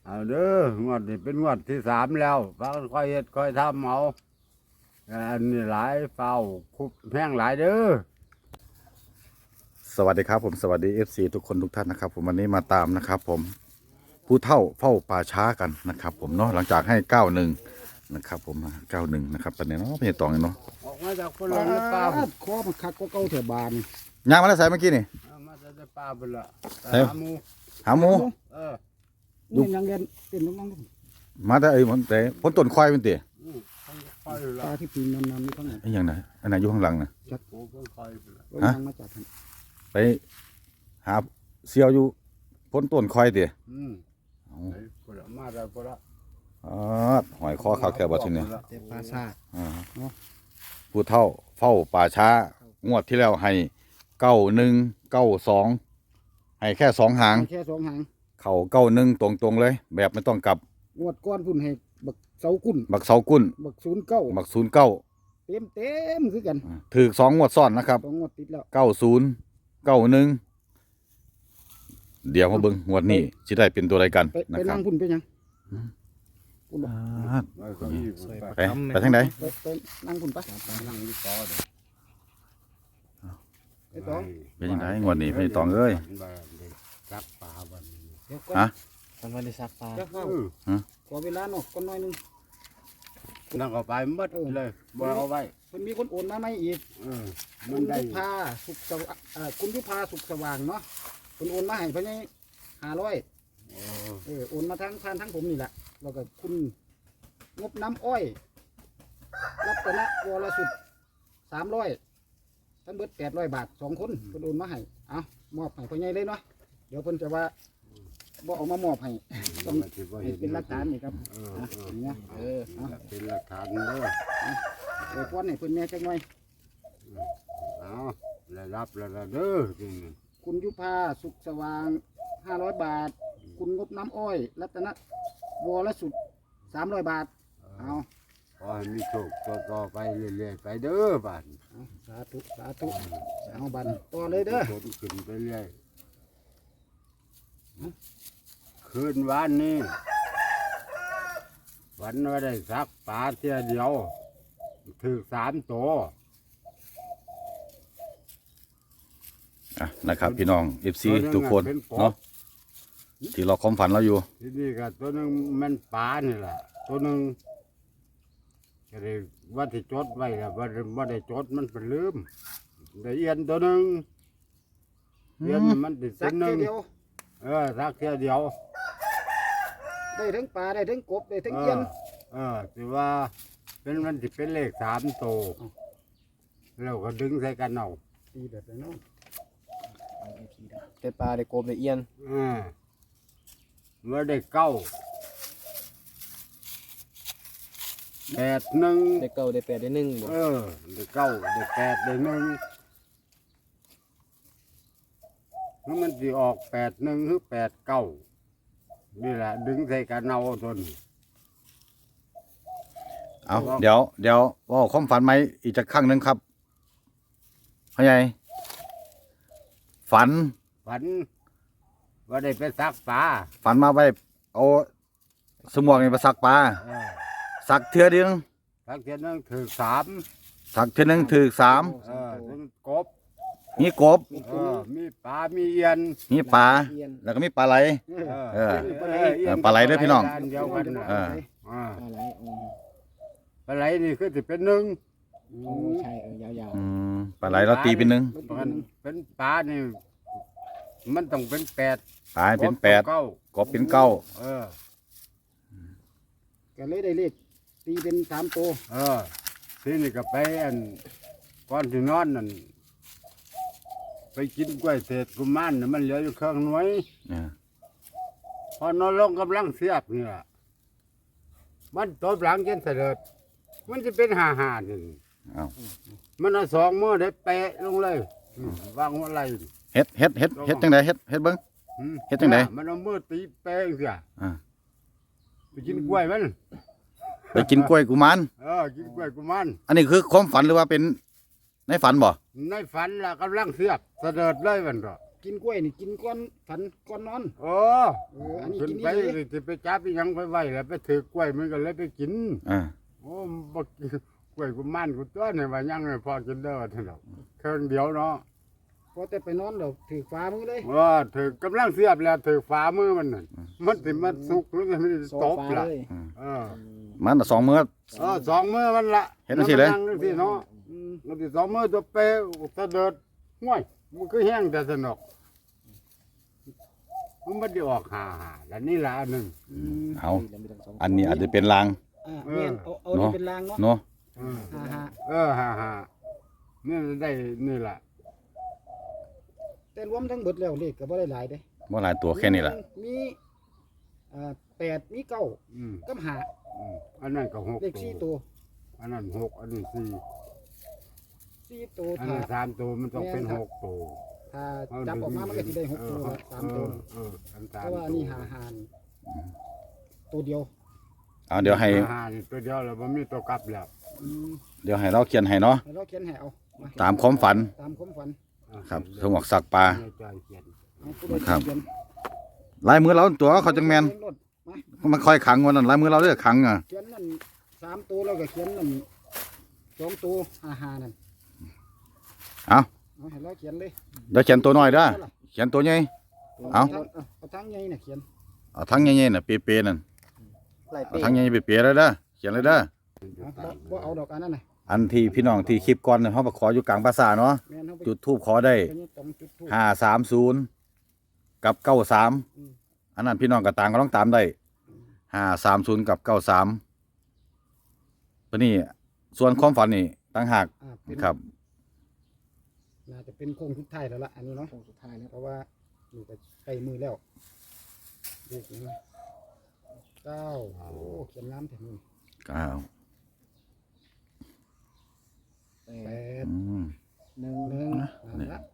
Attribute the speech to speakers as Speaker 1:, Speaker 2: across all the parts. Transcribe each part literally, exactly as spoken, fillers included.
Speaker 1: เอาเด้องวดนี้เป็นงวดที่สามแล้วฟังค่อยเฮ็ดค่อยทำเอาอันนี้หลายเฝ้าคุบแห้งหลายเด้อ
Speaker 2: สวัสดีครับผมสวัสดี เอฟ ซี ทุกคนทุกท่านนะครับผมวันนี้มาตามนะครับผมผู้เฒ่าเฝ้าป่าช้ากันนะครับผมเนาะหลังจากให้เก้าหนึ่งนะครับผมเก้าหนึ่งนะครับตอนนี้เนาะพี่ตองเนาะ
Speaker 1: ออกมาจากคนละในป่า
Speaker 3: ปาดคอมันคักก็เก่าแถวบาน
Speaker 2: ย่างมาแล้วใส่เมื่อกี้นี่
Speaker 1: เอามาจากในป่าไปละ
Speaker 2: เฮ้ย
Speaker 1: หาหมู
Speaker 2: หาหมู
Speaker 1: เออ
Speaker 3: นี่ยังเรียนเต้นน้อง
Speaker 2: มาแต่ไอ้ยมันแต่พ้นต้นควายเป็นเตี๋ย
Speaker 1: อืมต้องคอย
Speaker 3: ๆ
Speaker 1: ละ
Speaker 3: ตาที่ปีนนำๆนี่ทั้งนั้น
Speaker 2: ไอ้ยังไงอันไหนอยู่ข้างหลังนะ
Speaker 1: โอ้ต้องคอยไปละ
Speaker 3: ก็ยังมาจากทาง
Speaker 2: ไปหาเสียวอยู่พ้นต้นควายเตี๋ย
Speaker 1: อืม
Speaker 2: เอา
Speaker 1: ไปคนละมาได้คนละ
Speaker 2: อ๋อหอยคอขาวแก่บ่ทีนี้
Speaker 3: เจ็บปลาซาด
Speaker 2: อ่าผู้เฒ่าเฝ้าป่าช้างวดที่แล้วให้เก้าหนึ่งเก้าสองให้แค่สองหาง
Speaker 3: แค่สองหาง
Speaker 2: เข่าเก้าหนึ่งตรงๆเลย แบบไม่ต้องกลับ
Speaker 3: งวดก้อนพุ่นให้บักเสากุ้น
Speaker 2: บักเสากุ้น
Speaker 3: บักศูนย์เก้า
Speaker 2: บักศูนย์เก้า
Speaker 3: เต็มเต็มคือกัน
Speaker 2: ถือสองงวดซ้อนนะครับ
Speaker 3: สองงวดติดแล้ว
Speaker 2: เก้าศูนย์เก้าหนึ่งเดี๋ยวมาเบิ่งงวดนี้จะได้เป็นตัวอะไรกัน
Speaker 3: ไป
Speaker 2: นะ
Speaker 3: ไป
Speaker 2: ครั
Speaker 3: นั่
Speaker 2: บ
Speaker 3: งพุ่นไปยังพุ่นบ่
Speaker 2: อ่า
Speaker 1: ไปเก็ยี่ไป
Speaker 2: ไปไปทางไหน
Speaker 3: ไปไปนั่งพุ่นไป
Speaker 1: นั่งอยู่ต่อเด้อ
Speaker 3: ไปต่อ
Speaker 2: เป็นยังไงงวดนี้พี่ตองเอ้ย
Speaker 1: จับปลาบันนี้
Speaker 3: เดี๋ยวก่อน
Speaker 2: ฮะ
Speaker 4: มันไม่ได้ซักปลา
Speaker 3: จะเข้า
Speaker 1: เออ
Speaker 3: ขอเวลาหน่อยก่อนหน่อยหนึง
Speaker 1: นั่งเอาไปหมัดเลยบ่เอาไว้
Speaker 3: เพิ่นมีคนโอนมาไหมอีก
Speaker 1: เออ
Speaker 3: คุ
Speaker 1: มัน
Speaker 3: ณ
Speaker 1: ได้
Speaker 3: ยุพาสุขสว่างเอ่อคุณยุพาสุขสว่างเนาะคุณโอนมาให้เพิ่นให้ห้าร้อย
Speaker 1: โอ้
Speaker 3: เออโอนมาทางผ่านทางผมนี่แหละแล้วก็คุณงบน้ำอ้อย รัตนะวรสุดสามร้อยทั้งเบิดแปดร้อยบาทสองคนเพิ่นโอนมาให้เอามอบให้พ่อใหญ่เลยเนาะเดี๋ยวเพิ่นจะว่าบ่เอามามอบให้ต้อง
Speaker 1: มันสิบ่
Speaker 3: ให้
Speaker 1: เห็น
Speaker 3: เป็นหลักฐานนี่ครับ
Speaker 1: เออ
Speaker 3: อ่ะ
Speaker 1: เออ
Speaker 3: อย่างเงี้ยเออเอา
Speaker 1: เป็นหลักฐานเด้อ
Speaker 3: เออป้อนให้เพิ่นแหน่จักหน่อย
Speaker 1: เอาได้รับแล้วล่ะเด้อจริง
Speaker 3: คุณยุพาสุขสว่างห้าร้อยบาท คุณงบน้ำอ้อย รัตนะวรสุดสามร้อยบาทเอา
Speaker 1: ขอให้มีโชคต่อๆไปเรื่อยๆไปเด้อบ้าน
Speaker 3: เอาสาธุสาธุเอาบันต่อเลยเด้อ
Speaker 1: ผลขึ้นไปเรื่อยคืนวันนี้วันว่าได้สักปลาเทียเดียวถือสามตัว
Speaker 2: อ่ะนะครับพี่น้อง เอฟ ซี
Speaker 1: ตัวหนึ่ง
Speaker 2: ทุกคน
Speaker 1: เป็นกบ
Speaker 2: เนาะที่เราความฝันเราอยู่
Speaker 1: ที่นี่ก็ตัวหนึ่งมันปลานี่แหละตัวหนึ่งก็เลยว่าที่จดไว้แล้วว่าว่าได้จดมันเป็นลืมได้เอียนตัวหนึ่งเอียนมันติด
Speaker 3: สั
Speaker 1: ตัว
Speaker 3: ก
Speaker 1: หนึ่ง
Speaker 3: เดียว
Speaker 1: เออสักเทียเดียว
Speaker 3: ได้ทั้งปลาได้ทั้งกบได้ทั้ง
Speaker 1: เอ
Speaker 3: เอี้ย
Speaker 1: อน เออถือว่าเป็นมันติเป็นเลขสามตัวแล้วก็ดึงใส่กันเอา
Speaker 3: ตีแบบนี้เนาะ
Speaker 4: ได้ปลาได้กบได้เอียน
Speaker 1: เออเมื่อได้เก้าแปดหนึ่ง
Speaker 4: ได้เก้าได้แปดได้หนึ่งบ่
Speaker 1: เออได้เก้าได้แปดได้หนึ่งแล้วมันจะออกแปดหนึ่งหรือแปดเก้านี่แหละ ดึงใส่กันเอาทน
Speaker 2: เอาเดี๋ยวเดี๋ยวว่าความฝันไหมอีกจะครั้งหนึ่งครับพ่อใหญ่ฝัน
Speaker 1: ฝัน ว่าได้ไปซักปลา
Speaker 2: ฝันมาไว้เอาสมวกนี่ไปสักปลา
Speaker 1: เออ
Speaker 2: สักเทือเดียว
Speaker 1: ซักเทียนนึงถือสาม
Speaker 2: สักเทือหนึงถือสาม
Speaker 1: เออถึงกบ
Speaker 2: มีกบ
Speaker 1: เออมีปลา มีเอียน
Speaker 2: มีปลา
Speaker 3: เอี้ยน
Speaker 2: แล้วก็มีปลาไหล
Speaker 3: เออ
Speaker 2: เออ
Speaker 1: เออ
Speaker 2: เออปลาไหลเด้อพี่น้อง
Speaker 1: เดียวกันน่ะ
Speaker 2: เออ
Speaker 1: อ่า
Speaker 4: ปลาไหลอืม
Speaker 1: ปลาไหลนี่คือจะเป็นหนึ่ง
Speaker 4: โอ้ใช่เออยาว
Speaker 2: อืมปลาไหลเราตีเป็นหนึ่ง
Speaker 1: มันเป็นปลานี่มันต้องเป็นแปด
Speaker 2: ปลาให้เป็นแปด
Speaker 1: เก้าก
Speaker 2: บเป็นเก้า
Speaker 1: เออ
Speaker 3: ก็เลยได้เลขตีเป็นสามตัว
Speaker 1: เออทีนี่ก็ไปอันก่อนที่นอนนั่นไปกินกล้วยเศษกุมารน่ะมันเหลืออยู่เครื่องหน่วย
Speaker 2: เออ
Speaker 1: พอนอนลงกำลังเสียบเนี่ยมันตบหลังจนเสด็จมันจะเป็นหาหาหนึ่ง
Speaker 2: เอา
Speaker 1: มันเอาสองมือได้เปะลงเลยอืมวางหัวไหล่
Speaker 2: เฮ็ดเฮ็ดเฮ็ดเฮ็ดจังไดเฮ็ดเฮ็ดเบิ้ง
Speaker 1: อืม
Speaker 2: เฮ็ดจังใด
Speaker 1: มันเอามือตีเปะเสีย
Speaker 2: อ่า
Speaker 1: ไปกินกล้วยมัน
Speaker 2: ไปกินกล้วยกุมาร
Speaker 1: เออกินกล้วยกุมาร
Speaker 2: อันนี้คือความฝันหรือว่าเป็นในฝันบ่
Speaker 1: ในฝันล่ะกำลังเสียบเสด็จเลยมันก็
Speaker 3: กินกล้วยนี่กินก้อนฝันก้อนนอน
Speaker 1: โอ้
Speaker 3: เอออันนี้
Speaker 1: ขึ้น
Speaker 3: กิน
Speaker 1: ไป
Speaker 3: นี่เลย
Speaker 1: สิไปจับอีหยังไปไว้แล้วไปถือกล้วยมันก็เลยไปกิน
Speaker 2: อ่า
Speaker 1: โอ้บ่กินกล้วยกูมันกูตัวนี่ว่ายังไม่พอกินเด้อเท่านั้นเครื่องเดียวเนาะ
Speaker 3: พอแต่ไปนอนเราถือฟ้ามือเลย
Speaker 1: ว่าถือกำลังเสียบแล้วถือฝ่ามือมันนั่นมันสิมันสุกหรือมันสิ
Speaker 4: โซ
Speaker 1: ตบ
Speaker 4: ฟา
Speaker 1: ล่ะ
Speaker 4: เลย
Speaker 1: เออ
Speaker 2: มันน่ะสองมื้อ
Speaker 1: เออสองมือมันละ
Speaker 2: เห็นจังซี่เลย
Speaker 1: มันั่งจังซี่เนาะ
Speaker 3: อืม
Speaker 1: มันสิสองมือตัวเปะตะเดิดห้วยมันคือแห้งแต่สนุกมันไม่ได้ออกหาหาแล้วนี่ละอันหนึ่ง
Speaker 3: อืม
Speaker 2: เอาอันนี้อาจจะเป็นลาง
Speaker 3: อ่า
Speaker 1: เออ
Speaker 3: แม่นเอาเอานี่เป็นรางเนาะ
Speaker 2: เนาะ
Speaker 1: เออ
Speaker 3: ฮ่าฮ่า
Speaker 1: เออหาหานี่ได้นี่แหละ
Speaker 3: แต่รวมทั้งเบิดแล้วเลขก็บ่ได้หลายเด้
Speaker 2: บ่หลายตัวแค่นี้แหละ
Speaker 3: มีอ่าแปดมีเก้า
Speaker 1: อืม
Speaker 3: กับห้า
Speaker 1: อืมอันนั้นก็หก
Speaker 3: เลขสี่ตัว
Speaker 1: อันนั้นหกอันนี้สี่
Speaker 3: สี่ตัว
Speaker 1: อัน
Speaker 3: ถ้า
Speaker 1: นั้นสามตัวมันต้องเป็น
Speaker 3: แม่นครับ
Speaker 1: หกตัว
Speaker 3: ถ้าจับออกมามันก็สิได้หกตัวละสามตัว
Speaker 1: เอออัน
Speaker 3: เพ
Speaker 1: สาม
Speaker 3: ราะว่าอันนี้หาหานตัวเดียว
Speaker 2: เอาเดี๋ยวให้
Speaker 1: หานี่ตัวเดียวแล้วมันมีตัวกลับแล้ว
Speaker 3: อืม
Speaker 2: เดี๋ยวให้เราเขียนให้เนาะ
Speaker 3: ให้เราเขียนให้เอามา
Speaker 2: ตามความฝัน
Speaker 3: ตามความฝัน
Speaker 2: ครับสมอกสักปลา
Speaker 1: ในใจเขียน
Speaker 3: เอาผู้ใด
Speaker 2: ครับ
Speaker 3: เขียน
Speaker 2: ลายมือเราตัวเขาจังแมน
Speaker 3: เขียรถมา
Speaker 2: มันค่อยขังวันนั้นลายมือเราเด้อขังอ่ะ
Speaker 3: เขียนนั่นสามตัวแล้วก็เขียนนั่นสองตัวหาหานั่น
Speaker 2: เอา
Speaker 3: เอาให้เราเขียนเลย
Speaker 2: เดี๋ยวเขียนตัวน้อยเด้อเขียนตัวใหญ่ เอา
Speaker 3: ทงเอาทั้งใหญ่น่ะเขียน
Speaker 2: เอาทั้งใหญ่ๆน่ะเปรย์ๆนั่น
Speaker 4: ไล่
Speaker 2: เอา
Speaker 4: เป้
Speaker 2: ทั้งใหญ่ๆเปรย์ๆเลยเด้อเขียนเลยเด้อ
Speaker 3: เอาบ่บ่เอาดอกอันนั้นน่ะ
Speaker 2: อันที่พี่น้องที่คลิปก่อนเนี่ยเขาไปขออยู่กลางภาษาเนาะ
Speaker 3: แม่นเฮาไป
Speaker 2: จุดทูบขอได้
Speaker 3: แค่นี้ต้องจุดธูป
Speaker 2: ห้าสามศูนย์กับเก้าสาม
Speaker 3: อืม
Speaker 2: อันนั้นพี่น้องก็ต่างก็ต้องตามได้ห้าสามศูนย์กับเก้าสามตัวนี้ส่วนความฝันนี่ต่างหาก
Speaker 3: อ่าเป็น
Speaker 2: ครับ
Speaker 3: น่าจะเป็นโค้งสุดท้ายแล้วล่ะอันนี้เนาะ
Speaker 4: โค้งสุดท้ายแล้ว
Speaker 3: เพราะว่านี่ก็ใกล้มือแล้วเลขนี้เก้าโอ้เขียนน้ำแถวนี้
Speaker 2: เก้า
Speaker 4: แป
Speaker 3: แป
Speaker 4: ด
Speaker 3: ด
Speaker 2: อืม
Speaker 4: หนึ่ง
Speaker 3: หนึ่งนั่นละ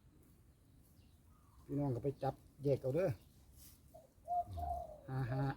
Speaker 3: พี่น้องก็ไปจับแยกเอาเด้อห้าห้า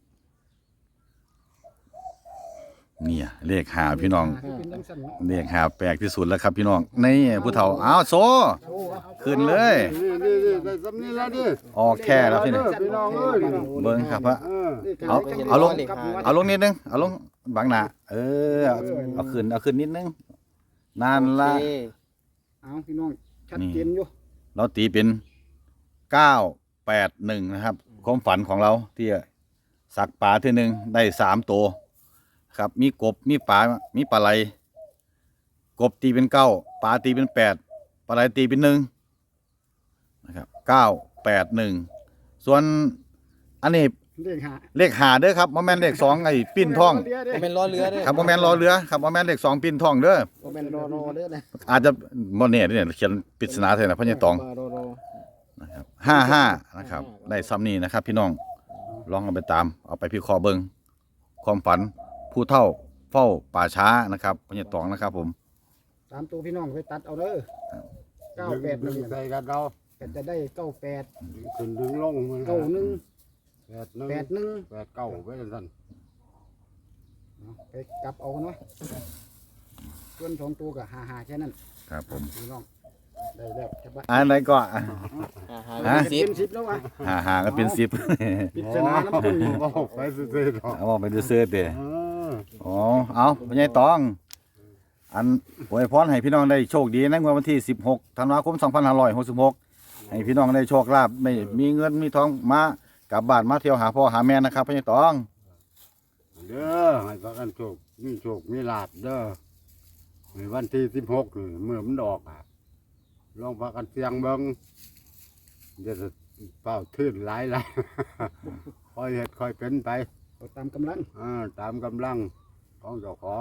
Speaker 2: เนี่ยเลขหาพี่น้อง
Speaker 3: ห้าคือเป็นจังสั่นเนาะ
Speaker 2: เลขหาแปลกที่สุดแล้วครับพี่น้องนี่ผู้เฒ่าอ้าวโซ
Speaker 3: โอ้เอา
Speaker 2: ขึ้นเลย
Speaker 1: นี่นี่นี่ได้สำนี้แล้วดิ
Speaker 2: ออกแค่แล้วพี่นี่
Speaker 1: พี่น้องเอ้ย
Speaker 2: เบิ้งครับพระ
Speaker 1: เออ
Speaker 2: เอา
Speaker 3: จัง
Speaker 2: เอาลง
Speaker 3: กบหัว
Speaker 2: เอาลงนิดนึงเอาลงบังหน้าเออเอาเอาขึ้นเอาขึ้นนิดนึงนั่นละ
Speaker 4: โอเค
Speaker 3: เอาพี่น้องชัดเจนอยู่
Speaker 2: เราตีเป็นเก้าแปดหนึ่งนะครับความฝันของเราที่สักปลาที่หนึ่งได้สามตัวครับมีกบมีปลามีปลาไหลกบตีเป็นเก้าปลาตีเป็นแปดปลาไหลตีเป็นหนึ่งนะครับเก้าแปดหนึ่งส่วนอันนี้
Speaker 3: เลขห้า
Speaker 2: เลขหาเด้อครับโมแมนเลขสองไอ้ปิ้นท่อง
Speaker 3: เดี๋ยวเดี๋ยว
Speaker 4: โมเมนล้อเรือเด้อ
Speaker 2: ครับโมแมนรอเรือครับโมแมนเลขสองปิ้นท่องเด้อ
Speaker 4: โมเมนรอรอเด้อนะ
Speaker 2: อาจจะโมเนี่ยเนี่ยเขียนปริศนาเถอะนะพ่อใหญ่ตอง
Speaker 4: มารอรอ
Speaker 2: นะครับห้าห้านะครับ ได้ซ้ำนี้นะครับ พี่น้องลองเอาไปตาม เอาไปพิเคราะห์เบิงความฝันผู้เฒ่าเฝ้าป่าช้านะครับพ่อใหญ่ตองนะครับ ผม
Speaker 3: สามตัวพี่น้องไปตัดเอาเด้อเก้าแปดห
Speaker 1: ดึ
Speaker 3: นึ่ง
Speaker 1: งใส่กันเรา
Speaker 3: ก็จะได้เก้าแปด
Speaker 1: ขึ้นดึงลงมัน
Speaker 3: เก้าหนึ่ง
Speaker 1: แปดหนึ่ง
Speaker 3: แปดหนึ่ง
Speaker 1: แปดเก้าไว้สั่น
Speaker 3: เอาไปกลับเอาเนาะส่วนสองตัวกับหาหาแค่นั้น
Speaker 2: ครับผม
Speaker 3: พี่น้องได้แล้วจะบ้า
Speaker 2: อันไหนก็
Speaker 4: อ่าหา
Speaker 2: ฮะ
Speaker 4: สิบ
Speaker 3: เป็นสิบแล้ววะ
Speaker 2: หาหาก็เป็นสิบ
Speaker 3: ปริศนาน้ำพึ่งนี่
Speaker 1: โอ้ไปซื้อๆหรอก
Speaker 2: เอาบอกไปดูเสื้อเตะ
Speaker 1: เออ
Speaker 2: อ๋อเอาพ่อใหญ่ตอง อันอวยพรให้พี่น้องได้โชคดีในงวดวันที่สิบหกธันวาคมสองพันห้าร้อยหกสิบหกให้พี่น้องได้โชคลาภไม่มีเงินมีทองมากลับบ้านมาเที่ยวหาพ่อหาแม่นะครับพ่อใหญ่ตอง
Speaker 1: เด้อให้พากันโชคมีโชคมีลาบเด้อในวันที่สิบหกนี่เมื่อมันออกอ่ะลองพากันเสียงเบิ่งเดี๋ยวจะเป้าทื่นหลายหลาย ค่อยเฮ็ดค่อยเป็นไป
Speaker 3: เอาตามกำลัง
Speaker 1: อ่าตามกำลังของเจ้าของ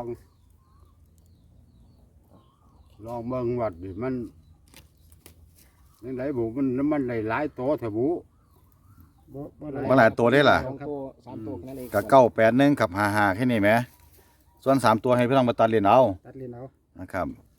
Speaker 1: ลองเบิ่งวัดดิมันยังไงบุมันมันได้หลายโตแถวบุ
Speaker 3: บ่บ่
Speaker 2: เมื่อไหร่ตัวได้ล่ะ
Speaker 4: สองตัวสามตัวนั่นเอง
Speaker 2: กับเก้าแปดหนึ่งกับหาหาแค่นี้ไหมส่วนสามตัวให้พี่น้องมาตัดเรียนเอา
Speaker 3: ตัดเรียนเอา
Speaker 2: นะครับ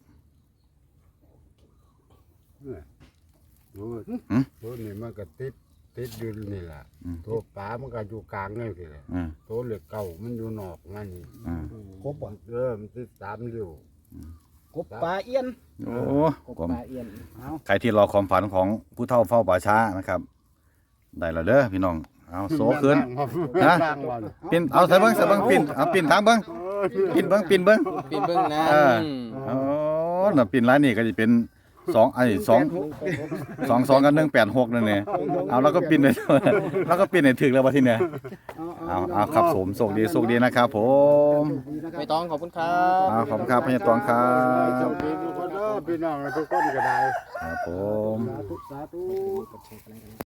Speaker 1: ดู
Speaker 2: หืม
Speaker 1: ตัวนี้มันก็ติดติดอยู่นี่แหละ
Speaker 2: อืม
Speaker 1: ตัวปลามันก็อยู่กลางนี่สิแหละ
Speaker 2: อืม
Speaker 1: ตัวเหล็กเก่ามันอยู่นอกนั่นนี่
Speaker 2: อืม
Speaker 3: ครบบ่
Speaker 1: เออมันติดสามริ้ว
Speaker 3: กบปลาเอี้ยน
Speaker 2: โอ้
Speaker 4: กบ
Speaker 2: ผม
Speaker 4: ปลาเอียน
Speaker 3: เอา
Speaker 2: ใครที่รอความฝันของผู้เฒ่าเฝ้าป่าช้านะครับ ได้แล้วเด้อพี่น้องเอาโซขึ้น
Speaker 1: ฮะ
Speaker 2: ฮะ ปินเอาใส่เบิ้งใส่เบิ้งปินเอาปินทางเบิ้งปินเบิ้งปินเบิ้ง
Speaker 4: ปีนเบิ้งนะ
Speaker 2: เออ โอ้น่ะปินร้านนี้ก็จะเป็นสองไอ้สองสองสองกันหนึ่งแปดหกนั่นเนี่ยเอาแล้วก็ปินเลย แล้วก็ปินให้ถึงแล้ววะทีเนี้ยเอาเอาครับผมโชคดีโชคดีนะครับผม
Speaker 4: ไม่ต้องขอบคุณครับ
Speaker 2: เอาขอบคุณครับพญาตองครั
Speaker 1: เจ้า
Speaker 2: บ
Speaker 1: พี่ทุกคนเด้อพี่น้องทุกคนก็ได้
Speaker 2: ครับผม
Speaker 3: สาธุสาธุ
Speaker 4: กดแชร์กันเลย